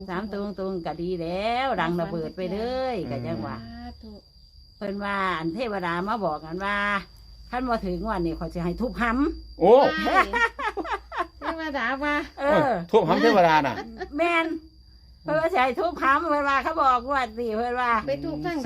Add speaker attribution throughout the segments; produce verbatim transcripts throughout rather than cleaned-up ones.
Speaker 1: สามตัวตรงก็ดีแล้วดังระเบิดไปเลยก็ยังว่าเพิ่นว่าอันเทวดามาบอกกันว่าท่านมาถึงวันนี้เขาจะให้ทุบห้ำ
Speaker 2: โอ้
Speaker 3: เทวดาว่า
Speaker 1: เออ
Speaker 2: ทุบห้ำเทวดาน่ะ
Speaker 1: แม่นเพิ่นว่าจะให้ทุบห้ำเพิ่นว่าเขาบอกว่าสิเพิ่นว่า
Speaker 3: ไปทุบทั้งไหน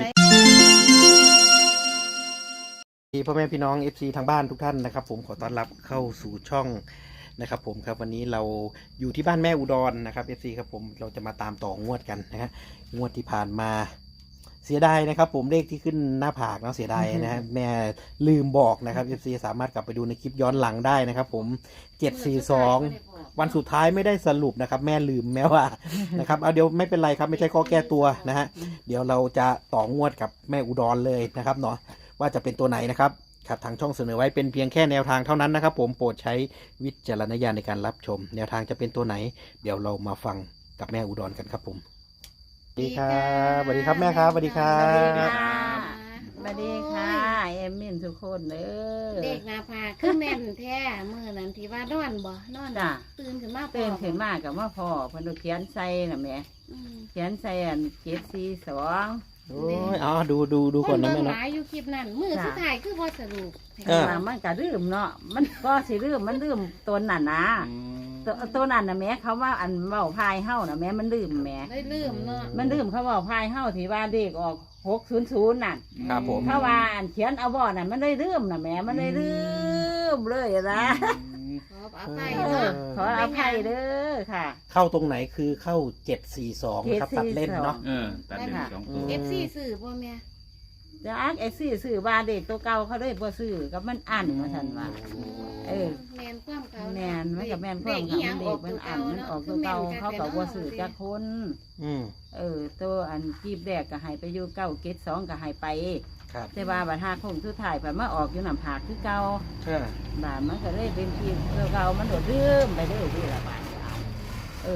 Speaker 4: พ่อแม่พี่น้อง เอฟ ซี ทางบ้านทุกท่านนะครับผมขอต้อนรับเข้าสู่ช่องนะครับผมครับวันนี้เราอยู่ที่บ้านแม่อุดรนะครับ เอฟ ซี ครับผมเราจะมาตามต่องวดกันนะฮะงวดที่ผ่านมาเสียดายนะครับผมเลขที่ขึ้นหน้าผากเนาะเสียดายนะฮะแม่ลืมบอกนะครับ เอฟ ซี สามารถกลับไปดูในคลิปย้อนหลังได้นะครับผมเจ็ดสี่สองวันสุดท้ายไม่ได้สรุปนะครับแม่ลืมแม้ว่านะครับเอาเดี๋ยวไม่เป็นไรครับไม่ใช่ข้อแก้ตัวนะฮะเดี๋ยวเราจะต่องวดกับแม่อุดรเลยนะครับเนาะว่าจะเป็นตัวไหนนะครับครับทางช่องเสนอไว้เป็นเพียงแค่แนวทางเท่านั้นนะครับผมโปรดใช้วิจารณญาณในการรับชมแนวทางจะเป็นตัวไหนเดี๋ยวเรามาฟังกับแม่อุดรกันครับผมสวัสดีครับสวัสดีครับแม่ครับสวัสดีครับ
Speaker 1: สวัสดีค่ะเอมมินทุกคนเด้อ
Speaker 3: เด็กนาพาขึ้นแม่นแท้เมื่อนั้นที่ว่านอนบ่นอน
Speaker 1: จ้ะ
Speaker 3: ตื่นขึ้นมา
Speaker 1: ตื่นขึ้นมากับว่าพ่อเพิ่นเขียนใส่น่ะแม่เขียนใส่อันเจ็ดสี่สอง
Speaker 4: โอ้ยอ๋อดูดูดูก่อนนะแม่
Speaker 3: เนาะหลายอยู่คลิปนั้นมือสุดท้ายคือพอสรุป
Speaker 1: เออมันก็ลืมเนาะมันก็สิลืมมันลืมตัวนั่นนะตัวตัวนั่นน่ะแม่เขาว่าอันเว้าพายเฮาน่ะแม่มันลืมแม่
Speaker 3: ได้ลืมเนาะ
Speaker 1: มันลืมเขาเว้าพายเฮาที่ว่าเด็กออกหกศูนย์ศูนย์นั่น
Speaker 4: ครับผม
Speaker 1: เขาว่าอันเขียนเอาบ่น่ะมันได้ลืมน่ะแม่มันได้ลืมเลยนะ
Speaker 3: ขออภัยเนาะ
Speaker 1: ขออภัยเด้อค่ะ
Speaker 4: เข้าตรงไหนคือเข้าเจ็ดสี่สองครับตัดเล่นเนาะ
Speaker 2: เออตัดเล่นสองตัว
Speaker 3: เอฟซีซื้อบ่แม่
Speaker 1: จะอักไอ้ซื้อซื้อว่าเด็กตัวเก่าเขาเลยบ่ซื้อกับมันอั้นมาซั่นว่าเออ
Speaker 3: แม่นความเก่า
Speaker 1: แม่นมันกับแม่นความเขาเด็กมันอั้นมันออกตัวเก่าเขาก็บ่ซื้อจักคน
Speaker 4: อืม
Speaker 1: เออตัวอันกีบแรกก็ให้ไปอยู่เก้าเกตสองก็ให้ไป
Speaker 4: ครับ
Speaker 1: แต่ว่าบัดหาคงสุดท้ายไปมาออกอยู่น้ำผากคือเก่า
Speaker 4: เอ
Speaker 1: อบาดมันก็เลยเป็นกีบตัวเก่ามันโดดลืมไปเลยที่ละบาดเอ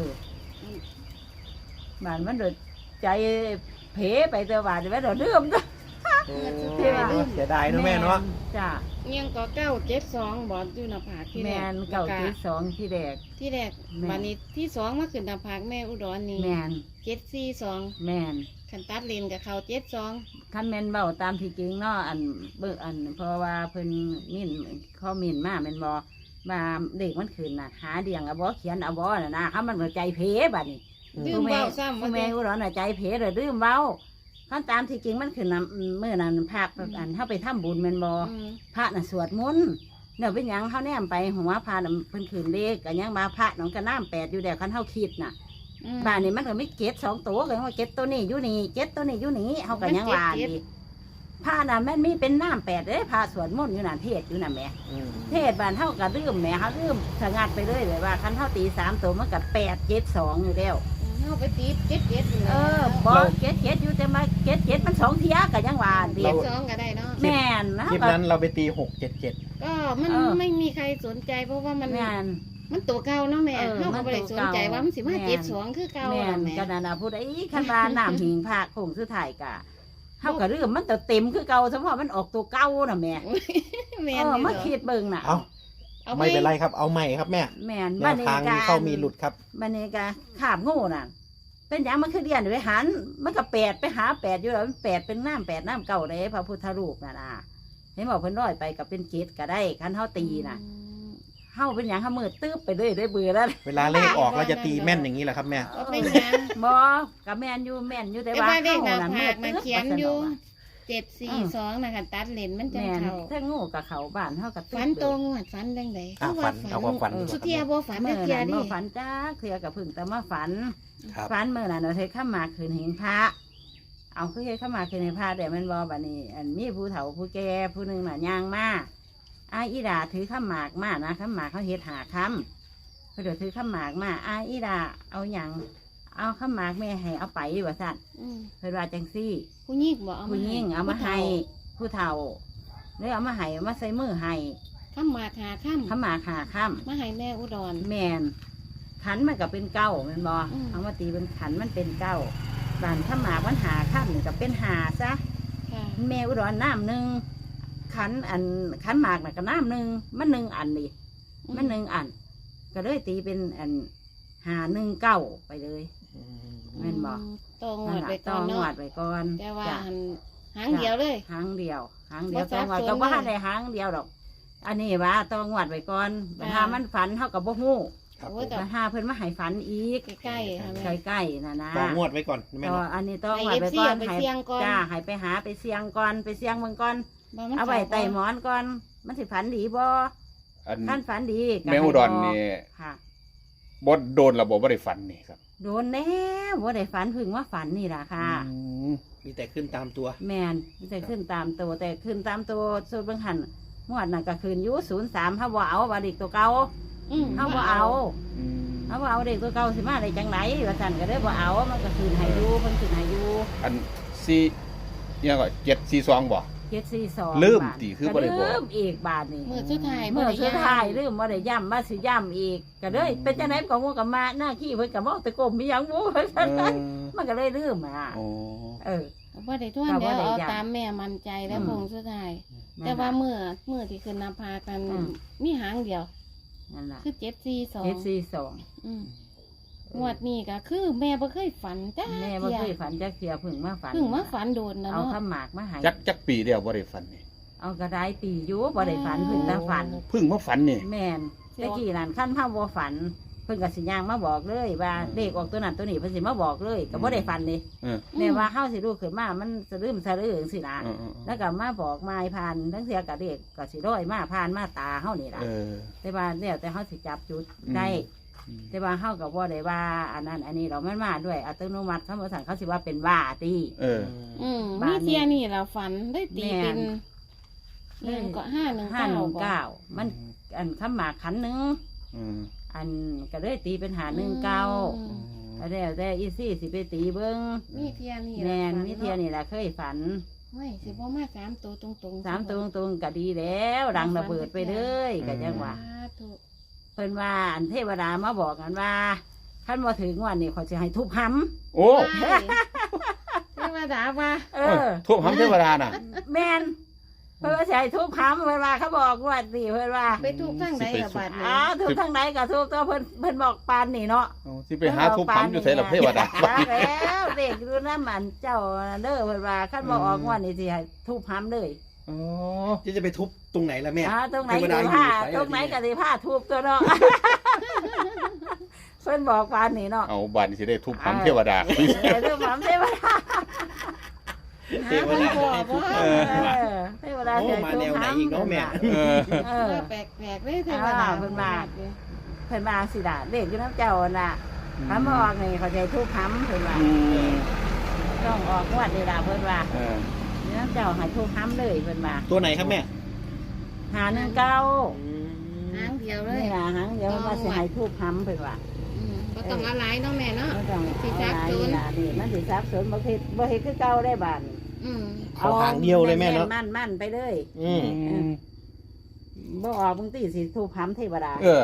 Speaker 1: อบาดมันโดดใจเผลไปตัวบาดมันโดดลืมตัว
Speaker 4: เสียดายนะแม่เนาะ
Speaker 1: จ้ะ
Speaker 3: ยังก็เก้าเจ็ดสองบอดอยู่หน้าผากที่แรก
Speaker 1: แม่นเก้าเจ็ดสองที่แรก
Speaker 3: ที่แรกบัดนี้ที่สองมาขึ้นหน้าผากแม่อุดรนี่
Speaker 1: แม่น
Speaker 3: เจ็ดสี่สอง
Speaker 1: แม่น
Speaker 3: ขันตัดเลนกับเขาเจ็ดสอง
Speaker 1: คันแม่นเบ้าตามที่จริงเนาะอันเบิกอันเพราะว่าเพิ่นมิ่นข้อมิ่นมาแม่นบ่มาเด็กมันขึ้นน่ะหาเดียงเอาบ่เขียนเอาบ่น่ะนะเขามันใจเพบัดนี้
Speaker 3: ลืมเบาซ้ำ
Speaker 1: แม่อุดรน่ะใจเพเลยลืมเบาขั้นตามที่จริงมันขึ้นนะเมื่อนั้นภาคอันเข้าไปทำบุญแม่นบ่พระน่ะสวดมนต์เนี่ยเป็นหยังเขาแนมไปหัวพระน่ะเพิ่นขึ้นเลขกันยังมาพระน้องกระน้ำแปดอยู่แล้วคันเฮาคิดน่ะบ้านนี้มันก็ไม่เก็ตสองตัวเลยว่าเก็ตตัวนี้อยู่นี่เก็ตตัวนี้อยู่นี่เฮาก็ยังว่าดีพระน่ะแม่นมีเป็นน้ำแปดเด้พระสวดมนต์อยู่น่ะเทศอยู่น่ะแม่เทศบ้านเฮาก็ลืมแม่เฮาลืมสงัดไปเลยเลยว่าคันเฮาตีสามตัวมันก็แปดเจ็ดสองอยู่แล้ว
Speaker 3: เอาไปตีเจ็ดเจ็ด
Speaker 1: เออบ่เจ็ดเจ็ดอยู่แต่มาเจ็ดเจ็ดมันสองเทียก็ยังว่า
Speaker 3: เจ็ดสองก็ได้เนาะ
Speaker 1: แม่นนะ
Speaker 4: คลิปนั้นเราไปตีหกเจ็ดเจ็ด
Speaker 3: ก็มันไม่มีใครสนใจเพราะว่ามันมันตัวเก่าเนาะแม่เขาก็ไม่ได้สนใจว่ามันสิมาเจ็ดสองคือเก่า
Speaker 1: แม่นก็นั่นน่ะพูดไอ้คันว่าน้ำหิงพระคงสุดท้ายก็เฮาก็ลืมมันเต็มคือเก่าเฉพาะมันออกตัวเก่าน่ะแม่
Speaker 3: แม่น
Speaker 1: เออมาคิดเบิ่งน่ะ
Speaker 4: เอาไม่เป็นไรครับเอาใหม่ครับแม่
Speaker 1: แม่น
Speaker 4: บ้านนี้ก็เข้ามีหลุดครับ
Speaker 1: บ้านนี้ก็ขาบงูน่ะเป็นอย่างมันคือเรียนไปหันมันก็แปดไปหาแปดอยู่แล้วมันแปดเป็นน้ำแปดน้ำเก่าเลยพระพุทธรูปน่ะนะเห็นบอกเพิ่นร้อยไปกับเป็นเกศก็ได้คันเฮาตีน่ะเฮาเป็นอย่างเฮามือตื้อไปเลยได้เบื่อแล้ว
Speaker 4: เวลาเลขออกเราจะตีแม่นอย่างนี้แหละครับแม่
Speaker 3: เป็นยัง
Speaker 1: บ่กับแม่นอยู่แม่นอยู่แต่ว่า
Speaker 3: เฮาน่ะมือตื้อเขียนอยู่เจ็ดสี่สองนะคะตัดเลนมันจะเขา
Speaker 1: ถ้างูกับเขาบ้านเฮากับ
Speaker 3: ฝันตรงฝันดังใด
Speaker 4: คือว่าฝัน
Speaker 3: สุเทียบ่ฝันไม่เทียดิ
Speaker 1: บ่ฝันจ้าเคลียกับพึ่งแต่มาฝันฝันเมื่อนั้นเราเทข้ามาคืนเห็นพระเอาคือเฮ็ดข้ามาคืนเห็นพระแต่มันบ่บัดนี้อันมีผู้เฒ่าผู้แก่ผู้นึงน่ะย่างมาอาอีดาถือข้าหมากมานะข้าหมากเขาเฮ็ดหาคำเขาเดี๋ยวถือข้าหมากมาอาอีดาเอาหยังเอาข้าหมากแม่ให้เอาไปว่าซั่นเพิ่นว่าจังซี่
Speaker 3: ผู้หญิงบ่เอา
Speaker 1: ผู้หญิงเอามาให้ผู้เฒ่าเลยเอามาให้เอามาใส่มือให้
Speaker 3: ข้าหมากหาค่ำ
Speaker 1: ข้าหมากหาค่ำ
Speaker 3: มาให้แม่อุดร
Speaker 1: แม่นขันมันก็เป็นเก้ามันบ่เอามาตีเป็นขันมันเป็นเก้าบานข้าหมากมันหาค่ำนี่ก็เป็นหาซะแม่อุดรน้ำหนึ่งขันอันขันหมากน่ะก็น้ำหนึ่งมันหนึ่งอันนี่มันหนึ่งอันก็เลยตีเป็นอันหาหนึ่งเก้าไปเลยแม่นบ่
Speaker 3: ต้องงวดไปก่
Speaker 1: ต้
Speaker 3: อ
Speaker 1: อน ง
Speaker 3: เนาะ
Speaker 1: งวดไปก่อน
Speaker 3: แต่ว่า
Speaker 1: จ้ะ
Speaker 3: หันหางเดียวเลย
Speaker 1: หางเดียวหางเดียว
Speaker 3: บ่
Speaker 1: ต้องงวด
Speaker 3: สับสน
Speaker 1: ก็บ่ทัน
Speaker 3: เลย
Speaker 1: ได้หางเดียวดอก อันนี้ว่าต้องงวดไปก่อน
Speaker 3: จ้ะ
Speaker 1: ถ้ามันฝันเฮาก็บ่ฮู้
Speaker 4: ครับ
Speaker 3: โอ้
Speaker 4: ผ
Speaker 3: ย
Speaker 4: ม
Speaker 3: แต่
Speaker 1: ถ้าหาเพิ่นมาให้ฝันอีก
Speaker 3: ใกล้ๆค่ะแม่
Speaker 1: ใกล้ๆน่ะนะ
Speaker 4: ต่องวดไว้ก่อนแม่
Speaker 1: ต่อ
Speaker 4: เนาะ
Speaker 1: อันนี้ต้อง
Speaker 3: ให้
Speaker 1: งวดไปก่อน
Speaker 3: เอฟซีเอาไปเสี่ยงก่อน
Speaker 1: จ้าให้ไปหาไปเสี่ยงก่อนไปเสี่ยงเบิ่งก่อน
Speaker 3: บ่มัน
Speaker 1: เอาไว้
Speaker 3: ข้
Speaker 1: ใต้หมอนก่อน มันสิฝันดีบ่
Speaker 2: อัน
Speaker 1: ท่านฝันดีก็
Speaker 2: แมว
Speaker 1: ให้
Speaker 2: อุดร
Speaker 1: บก
Speaker 2: นี่
Speaker 1: ค่ะ
Speaker 2: บดโดนระบบบ่ได้ฝันนี่ครับ
Speaker 1: โดนแน่บ่ได้ฝันเพึ่งว่าฝันนี่ล่ะค่ะ
Speaker 2: อืม
Speaker 4: มีแต่ขึ้นตามตัว
Speaker 1: แมนมันจะขึ้นตามตัวแต่ขึ้นตามตัวสุดเบิ่งหันงวดน่ะก็คืนอยู่ศูนย์สามเฮาบ่เอาว่าเด็กตัวเก่า
Speaker 3: อืม
Speaker 1: เฮาบ่เอา
Speaker 2: อืม
Speaker 1: เฮาบ่เอาเด็กตัวเก่าสิมาได้จังไหนว่าซั่นก็ได้บ่เอามันก็คืนให้อยู่เพิ่นคืนให้อยู่
Speaker 2: อันสี่ยังก็เจ็ดสี่สองบ่
Speaker 1: เจ็ดสี่สอง
Speaker 2: ลืม
Speaker 1: บาท
Speaker 2: ติคือบ่ได้บอก
Speaker 1: ลืมอีกบาทนี่
Speaker 3: มือสุดท้าย
Speaker 1: เมื่อ
Speaker 3: บ่
Speaker 1: สุด
Speaker 3: ได้
Speaker 1: ท้ายลืมบ่ได้ย้ำมาสิย้ำอีกก็เลยเป็นจังได๋ก็งูกับมาหน้าขี้เพิ่นก็บ่ตะกมมีหยังบ่ว่าซั่น
Speaker 2: เออ
Speaker 1: มันก็เลยลืมอ่ะ
Speaker 2: โอ้
Speaker 1: เออ
Speaker 3: บ่ได้ทวน
Speaker 1: ก็บ่
Speaker 3: เดี๋ยว
Speaker 1: ได้
Speaker 3: เอา
Speaker 1: ย้ำ
Speaker 3: ตามแม่มั่นใจแล้ว
Speaker 1: อืม
Speaker 3: พงสุดท้าย แต่ว่าเมื่อเมื่อที่ขึ้นนำพากัน
Speaker 1: อืม
Speaker 3: มีหางเดียว
Speaker 1: นั่นล่ะ
Speaker 3: คือเจ็ดสี่สอง
Speaker 1: เจ็ดสี่สอง
Speaker 3: อืมงวดนี้ก็คือแม่บ่เคยฝันจ้า
Speaker 1: แม่บ่เคยฝันจักเที่ยเพิ่งมาฝัน
Speaker 3: เพิ่งมาฝันโดนนะ
Speaker 1: เอา
Speaker 3: เนาะ
Speaker 1: ข้าวหมากมาให้
Speaker 2: จักจักปีเดียวบ่ได้ฝันนี่
Speaker 1: เอากระไดปีอยู่บ่ได้ฝันเพิ่งแต่ฝัน
Speaker 2: เพิ่งมาฝันนี่
Speaker 1: แม่นตะกี้นั่นขั้นพ่อบ่ฝัน เพิ่นก็สิย่างมาบอกเลยว่าเลขออกตัวนั้นตัวนี้เพิ่นสิมาบอกเลยก็บ่ได้ฝันนี่
Speaker 2: เออ
Speaker 1: แม่ว่าเฮาสิรู้ขึ้นมามันสะลืมสะลือจังซี่นะ
Speaker 2: เออเออ
Speaker 1: แล้วก็มาบอกมายผ่านทั้งเสียกับเด็กก็สิร้อยมาผ่านมาตาเฮานี่ล่ะ
Speaker 2: เออ
Speaker 1: แต่ว่าแล้วแต่เฮาสิจับจุดได้
Speaker 2: อืม
Speaker 1: แต่ว่าเฮาก็บ่ได้ว่าอันนั้นอันนี้เรามันมาด้วยอัตโนมัติเขาบ่สั่งเขาสิว่าเป็นว่าติ
Speaker 2: เออ
Speaker 3: อืม
Speaker 1: บ้า
Speaker 3: มี
Speaker 1: นนี้
Speaker 3: เทียนี่เราฝันได้ตีเป็น
Speaker 1: แม่
Speaker 3: เรื่องก็ห้าหนึ่ง
Speaker 1: ห้า
Speaker 3: เก้า
Speaker 1: หนึ่งเก้ามันอันข้ามหมากขันหนึง
Speaker 2: อืม
Speaker 1: อันก็เลยตีเป็นหาหนึ่งเก้า
Speaker 3: อืม
Speaker 1: แล้วแต่อีซี่สิไปตีเบิ้ง
Speaker 3: มีเทียนี่
Speaker 1: แมน
Speaker 3: ราฝั
Speaker 1: มิเทียนี่แหละเคยฝัน
Speaker 3: ไม่สิบ่มาสามตัวตรงๆ
Speaker 1: สามตรงตรงๆก็ดีแล้ว ดังระเบิดไปเลยก็ยังว่า
Speaker 3: สาธุ
Speaker 1: เพิ่นว่าอันเทวดามาบอกกันว่าขั้นมาถึงวันนี้เขาจะให้ทุบห
Speaker 2: โอ้
Speaker 3: ว้ายเทวดาว่า
Speaker 1: ำเออ
Speaker 2: ทุบหำเทวดาน่ะ
Speaker 1: แมนเพิ่นว่าจะให้ทุบหำเพิ่นว่าเขาบอกว่าสิเพิ่นว่า
Speaker 3: ไปทุกทั้งใดละบาดนี้
Speaker 1: อ้าวทุบทางไหนก็ทุบตัวเพิ่นเพิ่นบอกปานนี่เนาะ
Speaker 2: เอาสิไปหาทุบหำอยู่ไสล่ะเทวดา
Speaker 1: ว่าแล้วเด็กดูน้ำมันเจ้าเด้อเพิ่นว่าขั้นบอกออกวันนี้สิให้ทุบหำเลย
Speaker 2: อ๋อ
Speaker 4: จะจะไปทุบตรงไหนล่ะแม่
Speaker 1: อ่าตรงไหน
Speaker 4: เทว
Speaker 1: ก็
Speaker 4: ดาอยู่
Speaker 1: ผ้า
Speaker 4: ไสล่ะ
Speaker 1: ตรงไหน
Speaker 4: ที
Speaker 1: ก็
Speaker 4: เย
Speaker 1: สิผ้าทุบตัวเนาะ เพิ่นบอกปานนี่เนาะ
Speaker 2: เอาบ้านนี้สิได้ทุบหำเทวดา
Speaker 1: เออทุบหำเทวดา
Speaker 4: เทวดาให้ทุบ
Speaker 1: เอ
Speaker 4: หำ
Speaker 1: อเทวดา
Speaker 4: โอ้
Speaker 1: จะ
Speaker 4: มาแนวไหนอีกเนาะแม่
Speaker 2: เออ
Speaker 1: เออ
Speaker 3: แปลกๆเลยเทวดา
Speaker 1: อ่าเพิ่นว่า เพิ่นว่าสิดาเด็กอยู่น้ำเจ้าน่ะคำออกนี่เขาใจทุกคำเพิ่นว่า
Speaker 2: อืม
Speaker 1: ต้องออกงวดนี่ล่ะเพิ่นว่า
Speaker 2: เออ
Speaker 1: อยู่น้ำเจ้าให้ทุกคำเลยเพิ่นว่า
Speaker 4: ตัวไหนครับแม่
Speaker 1: หาหนึ่งเก้า
Speaker 3: หางเดียวเลย
Speaker 1: นี่ล่ะหางเดี๋ยวมันว่าสิให้ทุกคำเพิ่นว่า
Speaker 3: อืมบ่ต้องเอาหลายเนาะแม่เนาะ
Speaker 1: บ่ต้อง
Speaker 3: สิ
Speaker 1: เอา
Speaker 3: ซับ
Speaker 1: หลาย
Speaker 3: ซ้อน
Speaker 1: นี่ล่ะนี่มันสิซับสนบ่เฮ็ดบ่เฮ็ดคือเก่าได้บาดนี้
Speaker 3: อืม
Speaker 4: ขอหางเดียวเลยแม่เนาะ
Speaker 1: มั่นมั่นๆไปเลย
Speaker 4: อืม
Speaker 1: บ่ออกบางทีสิทุกคำเทวดา
Speaker 2: เออ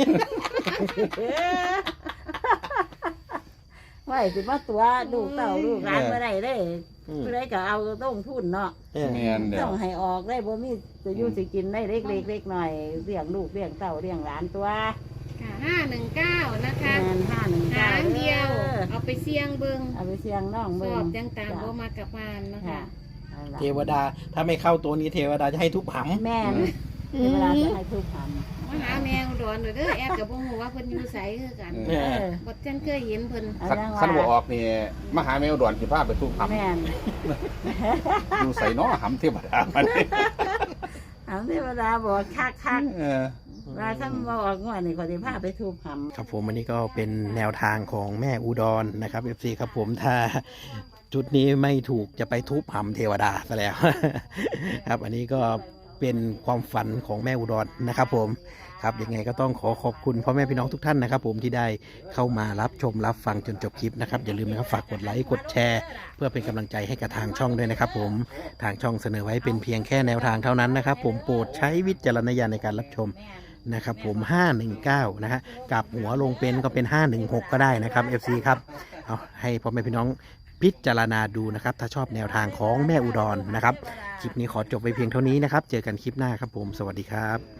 Speaker 1: ไว้สิมาตัวลูกเต่าลูกร้านเมื่อไรได้
Speaker 4: อืม
Speaker 1: เมื่อไรก็เอาต้องทุนเนาะ
Speaker 4: เออ
Speaker 2: แม่นเด้อ
Speaker 1: ต้องให้ออกได้บ่มีจะอยู่สิกินได้เล็กเล็กเล็กหน่อยเลี้ยงลูกเลี้ยงเต่าเลี้ยงหลานตัว
Speaker 3: ค่ะห้าหนึ่งเก้านะคะ
Speaker 1: งานห้าหนึ่ง
Speaker 3: หางเดียว เอาไปเสี่ยงเบิ่ง
Speaker 1: เอาไปเสียงน้อง
Speaker 3: ส
Speaker 1: เบิ่
Speaker 3: อง บจังตามบ่มากับบ้านนะ
Speaker 1: ค่ะ
Speaker 3: คะ
Speaker 4: เทวดา ถ้าไม่เข้าตัวนี้เทวดาจะให้ทุบหำ
Speaker 1: แม่นเวลาจะให้ทุกค
Speaker 3: มาหาแมวดอนเด้อแอบกับบ่ฮู้ว่าเพิ่นอยู่ไสคือกัน
Speaker 1: ำ
Speaker 2: เอ
Speaker 1: เออ
Speaker 3: บ่จันเคยเห็นเพิ่น
Speaker 1: เอา
Speaker 2: คัน
Speaker 1: จัง
Speaker 2: คันบ่อ
Speaker 1: ว่า
Speaker 2: อกนี่มาหาแมวด่วนสิพาไปทุบหำ
Speaker 1: แม่น
Speaker 2: อยู่ใส่น้อหำเทวดามัน
Speaker 1: เอาเทวดาบอกคักคัก
Speaker 2: เออ
Speaker 1: ๆว่าถ้าบ่ออกงวดนี่ก็สิพาไปทุกคำ
Speaker 4: ครับผมอันนี้ก็เป็นแนวทางของแม่อุดรนะครับ เอฟ ซี ครับผมถ้าจุดนี้ไม่ถูกจะไปทุบหำเทวดาซะแล้ว ครับอันนี้ก็เป็นความฝันของแม่อุดรนะครับผมครับยังไงก็ต้องขอขอบคุณพ่อแม่พี่น้องทุกท่านนะครับผมที่ได้เข้ามารับชมรับฟังจนจบคลิปนะครับอย่าลืมนะครับฝากกดไลค์กดแชร์ เพื่อเป็นกำลังใจให้กับทางช่องด้วยนะครับผมทางช่องเสนอไว้เป็นเพียงแค่แนวทางเท่านั้นนะครับผมโปรดใช้วิจารณญาณในการรับชมนะครับผมห้าหนึ่งเก้านะฮะกลับหัวลงเป็นก็เป็นห้าหนึ่งหกก็ได้นะครับ เอฟ ซี ครับเอาให้พ่อแม่พี่น้องพิจารณาดูนะครับถ้าชอบแนวทางของแม่อุดรนะครับคลิปนี้ขอจบไปเพียงเท่านี้นะครับเจอกันคลิปหน้าครับผมสวัสดีครับ